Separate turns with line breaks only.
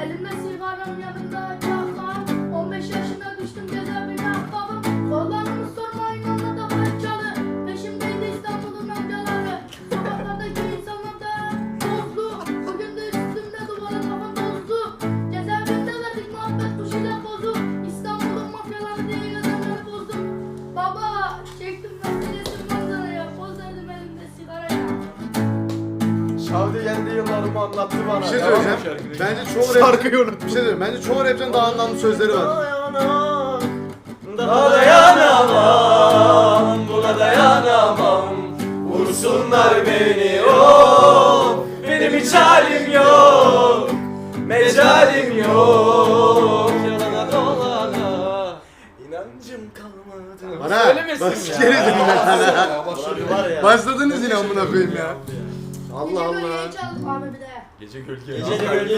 Elimde sigaram yanımda kahvam. 15 yaşına düştüm cezaevine ahbabım. Kollarımı sormayın anlatamam çalı. Peşimdeydi İstanbul'un amcaları. Sokaklardaki insanlar da tozlu. Bugün de üstümde duvara kafam tozlu. Cezaevinde verdik muhabbet kuşuyla bozu. İstanbul'un mafyaları diye yazanları bozdum. Baba çektim meselesi manzaraya. Poz verdim elimde sigaraya.
Şavdi kendi yıllarımı anlattı bana.
Bir şey
Devam
söyleyeceğim.
et şarkıyı.
Bence çoğu
Şarkıyı
rap... Bir şey söyleyeyim. Bence çoğu rapten daha anlamlı sözleri var.
Daha dayanamam, buna dayanamam. Vursunlar beni, oh, benim hiç halim yok, mecalim yok. Yalana dolana, inancım kalmadı.
Bana
Söylemesin
bak
ya.
sikeriz
Ya, var ya.
Başladınız yine amına koyayım ya. Allah
Gece
Allah.
bölgeyi çaldım abi bir de.
Gece gölge.
Gece gölge.